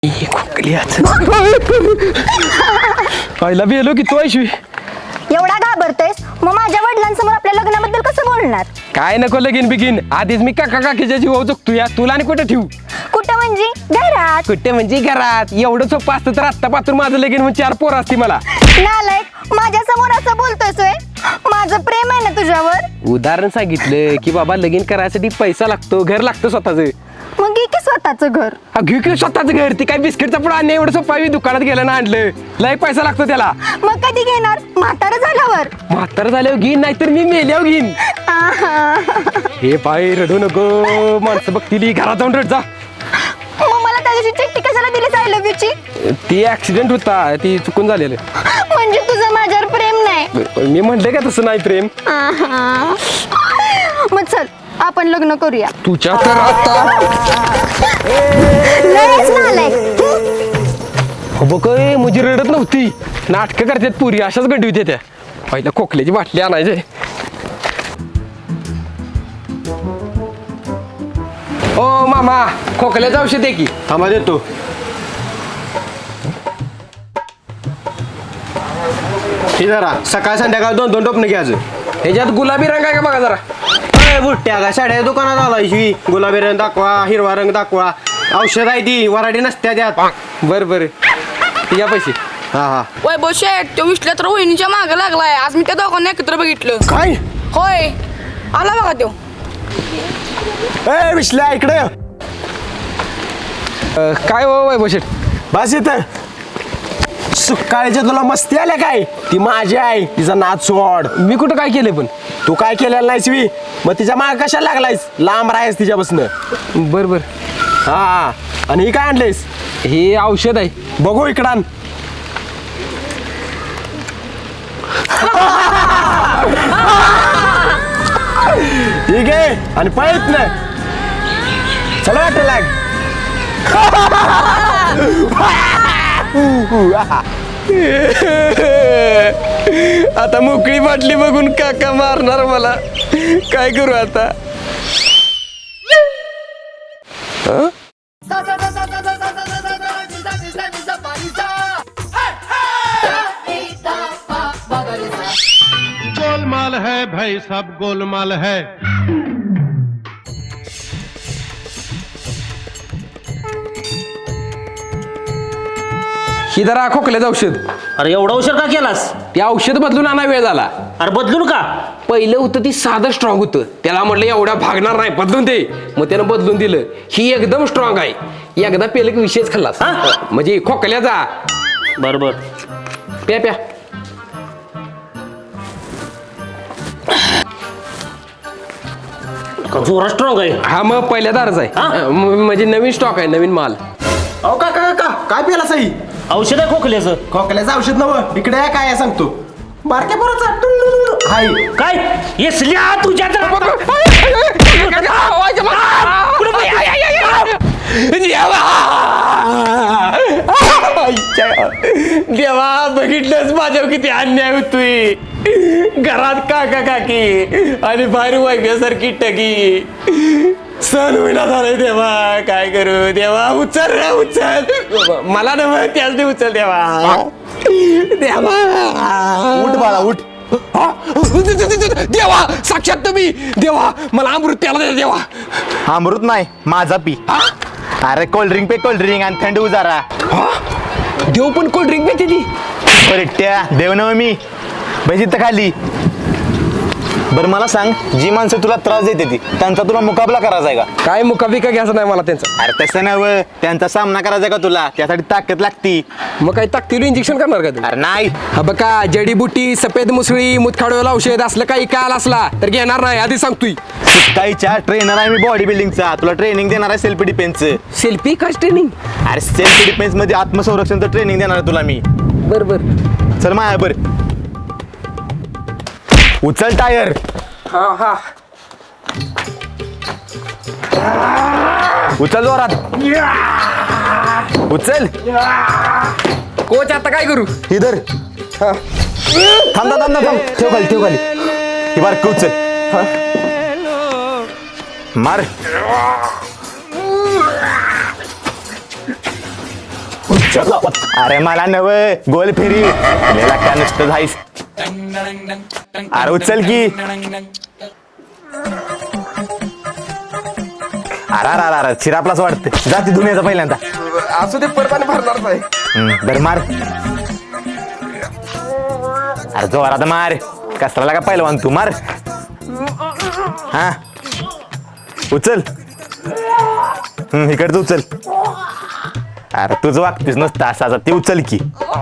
आईला बेलो की तू ऐशवी एवढा घाबरतोयस मग माझ्या वडिलांसमोर आपल्या लग्नाबद्दल कसं बोलणार? काय नको लगीन बिगीन आधीच मी काका काकीच्या जीवावर जगतो या तुला आणि कुठे ठेवू कुठं म्हणजे घरात? कुठे म्हणजे घरात एवढं सोपं असतं तर आत्तापासून माझं लगीन म्हणजे 4 पोरं असती मला. नालायक माझ्या समोर असं बोलतोयस होय? माझं प्रेम आहे ना तुझ्यावर. उदाहरण सांगितलं की बाबा लगीन करायसाठी पैसा लागतो घर लागतं स्वतःचं. मग घे की स्वतःचं घर. हा घेऊ की स्वतःचं घर ती काय बिस्किटचा पुढं आणणे एवढं सोपं आहे दुकानात गेलं ना आणलं लय पैसा लागतो त्याला. मग कधी घेणार? म्हातारं झाल्यावर. म्हातारं झाल्यावर घेईन नाहीतर मी मेल्यावर घेईन. हे पाय रडू नको माणसं बघतील घरात जाऊन रड जा. मग मला त्या दिवशी चिठ्ठी कशाला दिलीस आय लव्ह यूची? ती ऍक्सिडेंट होता ती चुकून झालेलं. म्हणजे तुझं माझ्यावर प्रेम नाही? मी म्हणले का तसं नाही प्रेम. मग चल आपण लग्न करूया. तुझ्या तर आता लयच नालायक. हो बघ मुझी रडत नव्हती नाटकं करतात पुरी अशाच गंडी होत्या त्या. पहिल्या खोकल्याची बाटली आणायचे. ओ मामा खोकल्याचं औषध आहे की. थांबा देतो. हे जरा सकाळ संध्याकाळ 2-2 टोपणं घ्यायचं. ह्याच्यात गुलाबी रंग आहे का बघा जरा. अरे बुट्ट्या का साड्या दुकानात आला शिवी गुलाबी रंग दाखवा हिरवा रंग दाखवा औषध आहे ती वराडी नसत्या त्यात. बरं बरं या पैसे. हा हा वैभव शेठ तो विसल्या तर वहिनीच्या मागे लागलाय. आज मी त्या दोघांना एकत्र बघितलं. काय होय आला बघा तो. ए विश्ल्या इकडे काय हो वैभव शेठ. बस इथं सुकाळीच्या तुला मस्ती आल्या काय ती माझी आहे तिचा नाच सोड. मी कुठं काय केलंय पण. तू काय केलेलं नाहीस मी मग तिच्या माग कशाला लागलायस लांब राहायस तिच्यापासून. बरं बरं हा आणि ही काय आणलेस? हे औषध आहे. बघू इकडं आण. ठीक आहे आणि पळत ना चला वाटत लाग. आता मोकळी बाटली बघून काका मारणार मला. काय करू आता. गोलमाल है भाई सब गोलमाल है. ही जरा खोकल्याचं औषध. अरे एवढा उशीर का केलास? ते औषध बदलून आणा वेळ झाला. अरे बदलून का? पहिलं होतं ती साधं स्ट्रॉंग होतं त्याला म्हटलं एवढ्या भागणार नाही बदलून दे मग त्यानं बदलून दिलं. ही एकदम स्ट्रॉंग आहे एकदा पेलं की विषयच खाल्लास. म्हणजे खोकल्याचा. बरोबर. प्या प्या. जोरा स्ट्रॉंग आहे. हा मग पहिल्या दारच आहे. हा? म्हणजे नवीन स्टॉक आहे नवीन माल. अहो काका काका काय पेला सई? औषध आहे खोकल्याचं. खोकल्याचं औषध नवं इकडे आहे काय आहे सांगतो. बारक्या पोराचा हाय काय येसल्या तुझ्या तर देवा बघितलंच माझ्यावर किती अन्याय होतोय. घरात काका काकी आणि बाहेर वैभ्यासारखी टकी सण होईना झालंय देवा. काय करू देवा. उचल रे उचल मला नव त्याच नाही उचल देवा. देवा उठ बाळा उठ. देवा साक्षात तुम्ही देवा मला अमृत प्याला दे देवा. अमृत नाही माझा पी. अरे कोल्ड्रिंक पे कोल्ड्रिंक आणि थंड उजारा. देव पण कोल्ड्रिंक पिते ती. परेट्या देव नव मी बस इथं खाली. बरं मला सांग जी माणसं तुला त्रास देते ती त्यांचा तुला मुकाबला करायचा आहे का? काय मुकाबिका घ्यायचं नाही मला त्यांचा. अरे तसं नव्ह त्यांचा सामना करायचा का तुला त्यासाठी ताकद लागती. मग काही ताकदीवर इंजेक्शन करणार का तू. अरे नाही हा बघा जडीबुटी सफेद मुसळी मुतखाडवेला औषध असलं काही काल असला तर घेणार नाही आधी सांगतोय. काहीच्या ट्रेनर आहे मी बॉडी बिल्डिंगचा तुला ट्रेनिंग देणार आहे सेल्फ डिफेन्सचं. सेल्फी काच ट्रेनिंग. अरे सेल्फ डिफेन्स मध्ये आत्मसंरक्षणचं ट्रेनिंग देणार आहे तुला मी. बर बर चल माया बर उचल टायर. हा हा उचल जोरात उचल. कोच आता काय करू. इधर थांब थांब थांब थांब ठेव खाली ठेव खाली. ही बार उचल. मार अरे मला नव गोल फेरी तुला का नुसतं जाईस अरे उचल की अरे चिरापलाच वाटतं जाती दुनियाचा पहिल्यांदा असू दे परत आणि भरणारच आहे. बर मार अरे जोरात मार कसला का पहिलवान तू मार हा उचल इकडचं उचल अरे तुझं वागतेस नसतं असा ते उचल की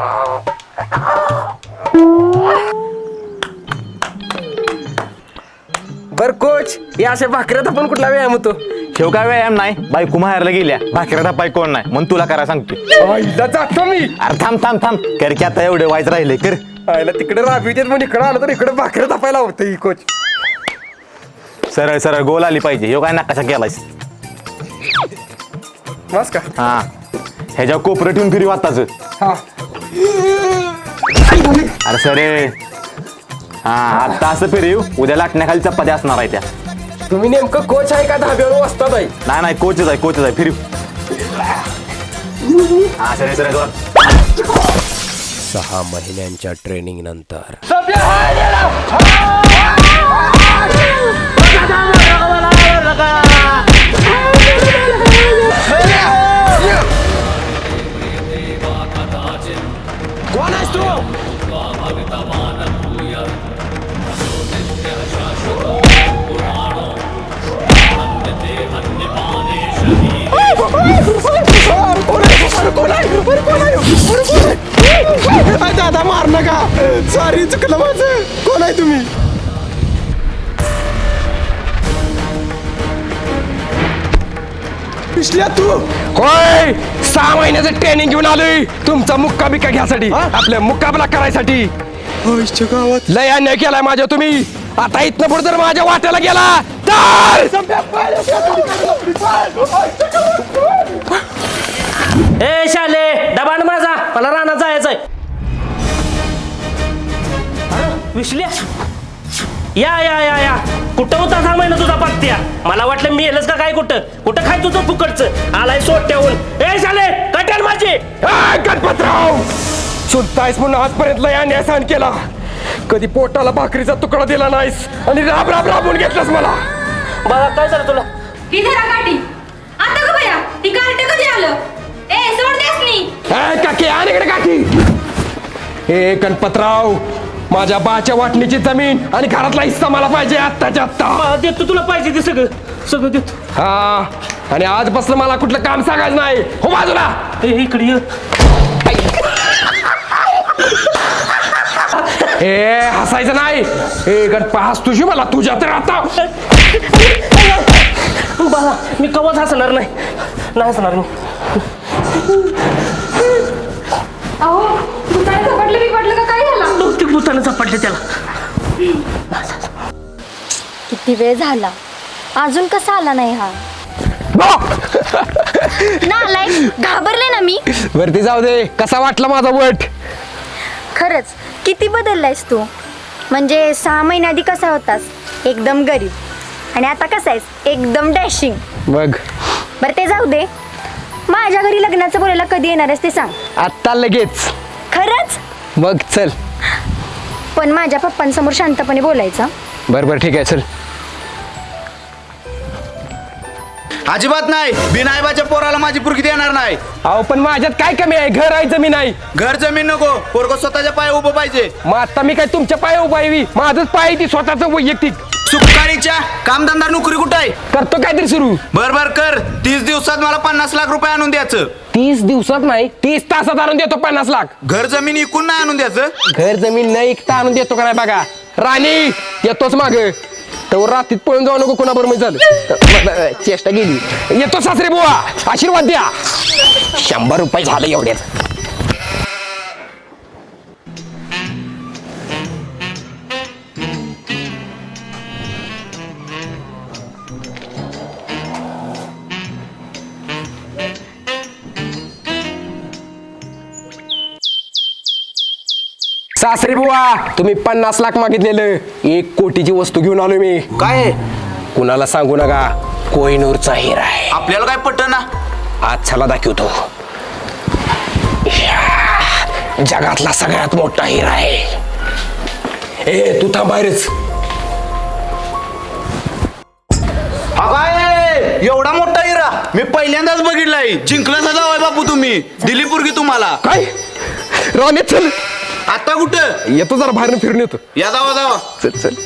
बर कोच या अशा भाकऱ्यात आपण कुठला व्यायाम होतो? ठेव काय व्यायाम नाही बायको माहेरला गेल्या भाकऱ्या थापाय कोण नाही म्हणून तुला करा सांगतो आईला जातो मी. अरे थांब थांब थांब कर की आता एवढे व्हायचं राहिले कर आईला तिकडे राबी देत म्हणून इकडे आलं तर इकडे भाकऱ्या तापायला होतं ही कोच. सरळ सरळ गोल आली पाहिजे ह्यो काय नकाशा केलायस बस का? हा ह्याच्या कोपरं ठेवून फिरी वाताच हा अरे सरे हा आता असं फिरीव उद्या लाटण्याखाली चपात्या असणार आहे त्या तुम्ही नेमकं कोच आहे का धाब्यावर वाजता बाई? नाही कोचच आहे फिरीव हा सरे सरे जोर 6 महिन्यांच्या ट्रेनिंग नंतर कोण आहेस तू? दादा मार नका सॉरी चुकलं माझं. कोण आहे तुम्ही? पिशल्या तू होय 6 महिन्याचं ट्रेनिंग घेऊन आलोय तुमचा मुक्का बिक्का घ्यासाठी आपल्या मुक्काबला करायसाठी. गावात लय अन्याय केलाय माझ्या तुम्ही. आता इथनं पुढे जर माझ्या वाट्याला गेला तर ए शाले डबान माझा मला रानात जायचंय विसल्या या या या या कुठं होता 6 महिना तुझा पत्त्या मला वाटलं मी येलच का काय कुठं खाय तुझं फुकटचं आलाय सोट्याहून ए शाले कट्यान माझी गणपतराव सुलतायस म्हणून आजपर्यंत लय अन्याय सहन केला. कधी पोटाला भाकरीचा तुकडा दिला नाहीस आणि राब राब राबून घेतलास मला. बाबा काय झालं तुला ही धरा काठी आता का बया ती कार्ट कधी आलं ए सोड देस नी काकी आणि इकडे काकी. हे गणपतराव माझ्या बाच्या वाटणीची जमीन आणि घरातला हिस्सा मला पाहिजे आत्ताच्या आत्ता. देतो तुला पाहिजे ते सगळं देतो हा आणि आजपासून मला कुठलं काम सांगायचं नाही हो बाजूला. इकडे ये ए हसायचं नाही. ए गणपा हस तुझी मला तुझ्या तर आता बाबा मी कवच हसणार नाही हसणार मी अहो भूताने झपटलं बिपटलं का काय झालं बहुतेक भूतानं झपाटले त्याला किती वेळ झाला अजून कसा आला नाही हा? नालायक घाबरले ना मी. वरती जाऊ दे. कसा वाटला माझा वट? खरंच किती बदललायस तू. म्हणजे 6 महिन्याआधी कसा होतास एकदम गरीब आणि आता कसा आहेस एकदम डॅशिंग. बघ बरं ते जाऊ दे. माझ्या घरी लग्नाचं बोलायला कधी येणार आहेस ते सांग. आत्ता लगेच. खरंच? बघ चल. पण माझ्या पप्पांसमोर शांतपणे बोलायचं. बरं ठीक आहे चल. अजिबात नाही बिनायबाच्या पोराला माझी पुरगी देणार नाही. अहो पण माझ्यात काय कमी आहे? घर आहे जमीन आहे. घर जमीन नको पोरग स्वतःच्या पाय उभं पाहिजे. मग आता मी काय तुमच्या पाय उभा आहे? माझंच पाय ती स्वतःच वैयक्तिक. सुखारीच्या कामधंदा नोकरी कुठं आहे? करतो काहीतरी सुरू. बर कर 30 दिवसात मला 50 लाख रुपये आणून द्यायचं. 30 दिवसात नाही 30 तासात आणून देतो 50 लाख. घर जमीन इकून नाही आणून द्यायचं. घर जमीन न ऐकता आणून देतो का नाही बघा. राणी येतोच माग तर रात्रीत पळून जाऊ नको कोणाबरोबर मी झालं. चेष्टा गेली. येतो सासरे बुवा आशीर्वाद द्या. 100 रुपये झाले एवढ्यात. सासरे बुवा तुम्ही 50 लाख मागितलेलं 1 कोटीची वस्तू घेऊन आलो मी. काय कुणाला सांगू नका. कोहिनूरचा हिरा आहे. आपल्याला काय पटत ना. आज चला दाखवतो. जगातला सगळ्यात मोठा हिरा आहे. ए तू थांब बाहेरच. काय एवढा मोठा हिरा मी पहिल्यांदाच बघितलाय. जिंकलाचा जावाय बापू तुम्ही. दिली पोरगी तुम्हाला. काय राणे चल. आता कुठं येतो जरा बाहेर फिरून येतो. या जावा जावा. चल चल.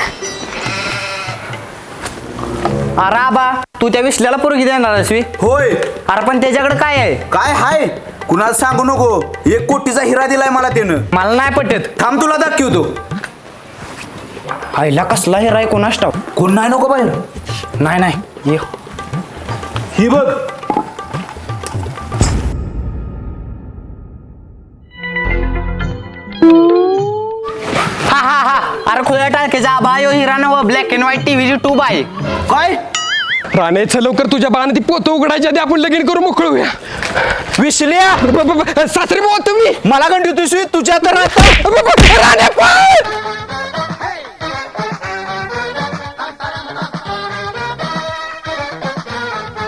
अरे आबा तू त्या विसल्याला पोरगी देणार अश्वी. होय अरे पण त्याच्याकडे काय आहे. काय हाय कुणाला सांगू नको. 1 कोटीचा हिरा दिलाय मला त्यानं. मला नाही पटत. थांब तुला दाखवतो. आईला कसला हिरा आहे कोणास ठाऊक. कोण नाही नको बाहेर. नाही नाही ये. ही बघ. हा हा हा अरे खुल्या टाकेचा आबा यो हिरा नव ब्लॅक अँड व्हाईट टीव्हीची ट्यूब आहे. काय राणे चल लवकर तुझ्या बाण ती पोतं उघडायच्या आधी आपण लगीन करू मोकळूया. विसल्या सासरे भाऊ तुम्ही मला गंडी तुझी तुझ्या तर राणे पण